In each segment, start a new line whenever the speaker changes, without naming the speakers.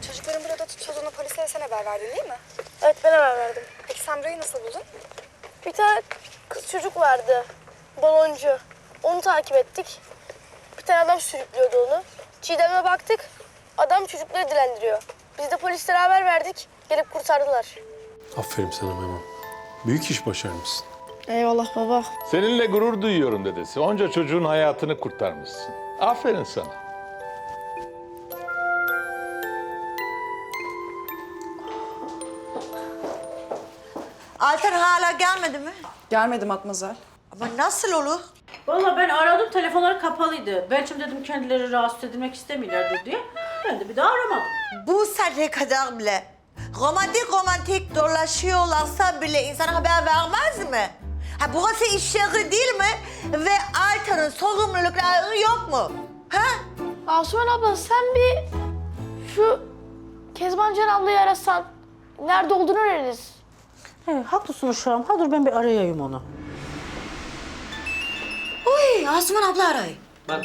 Çocukların burada tutulduğunu polise sen haber verdin değil mi?
Evet, ben haber verdim.
Peki sen burayı nasıl buldun?
Bir tane kız çocuk vardı, baloncu. Onu takip ettik. Bir tane adam sürüklüyordu onu. Çiğdem'e baktık, adam çocukları dilendiriyor. Biz de polislere haber verdik, gelip kurtardılar.
Aferin sana Memo. Büyük iş başarmışsın.
Eyvallah baba.
Seninle gurur duyuyorum dedesi. Onca çocuğun hayatını kurtarmışsın. Aferin sana.
Altan hala gelmedi mi?
Gelmedi Matmazel.
Ama nasıl olur?
Vallahi ben aradım, telefonları kapalıydı. Belki dedim kendileri rahatsız edilmek istemiyorlardır diye. Ben de bir daha aramadım.
Bu saate kadar bile romantik dolaşıyorlarsa bile insana haber vermez mi? Ha burası iş yeri değil mi? Ve Altan'ın sorumlulukları yok mu? Ha?
Asuman abla sen bir şu Kezban Can ablayı arasan nerede olduğunu öğreniriz.
Haklısın uşağım. Ha dur ben bir arayayım onu.
Uy Asuman abla arayın.
Bak.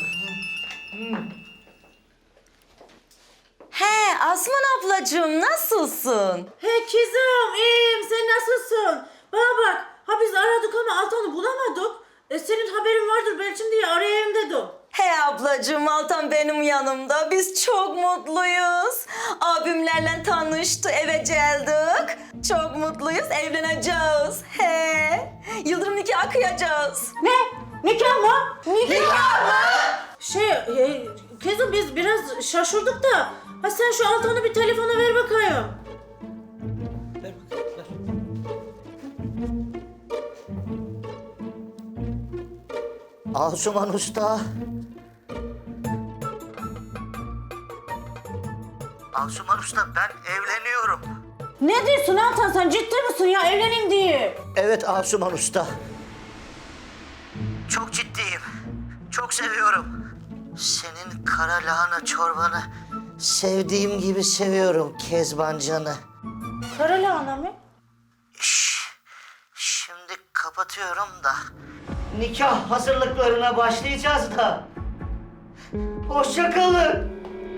He Asuman ablacığım nasılsın?
He kızım, iyiyim. Sen nasılsın? Bana bak. Ha biz aradık ama Altan'ı bulamadık. Senin haberin vardır belki diye arayayım dedim.
He ablacığım Altan benim yanımda. Biz çok mutluyuz. Abimlerle tanıştı, eve geldik. Çok mutluyuz, evleneceğiz. He. Yıldırım nikahı kıyacağız.
Ne? Nikah mı? Nikah mı? Kızım biz biraz şaşırdık da. Ha sen şu Altan'ı bir telefona ver bakayım.
Ver bakayım, ver.
Asuman Usta. Asuman Usta ben evleniyorum.
Ne diyorsun Altan, sen ciddi misin ya, evleneyim diye?
Evet Asuman Usta. Çok ciddiyim. Çok seviyorum. Senin kara lahana çorbanı sevdiğim gibi seviyorum Kezban Can'ı.
Kara lahana mı?
Şimdi kapatıyorum da. Nikah hazırlıklarına başlayacağız da. Hoşça kalın.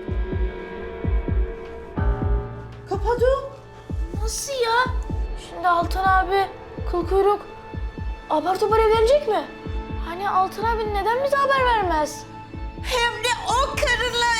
Kapadım.
Nasıl ya? Şimdi Altan abi kıl kuyruk apar topar evlenecek mi? Hani Altan abi neden bize haber vermez?
Hem de o karınla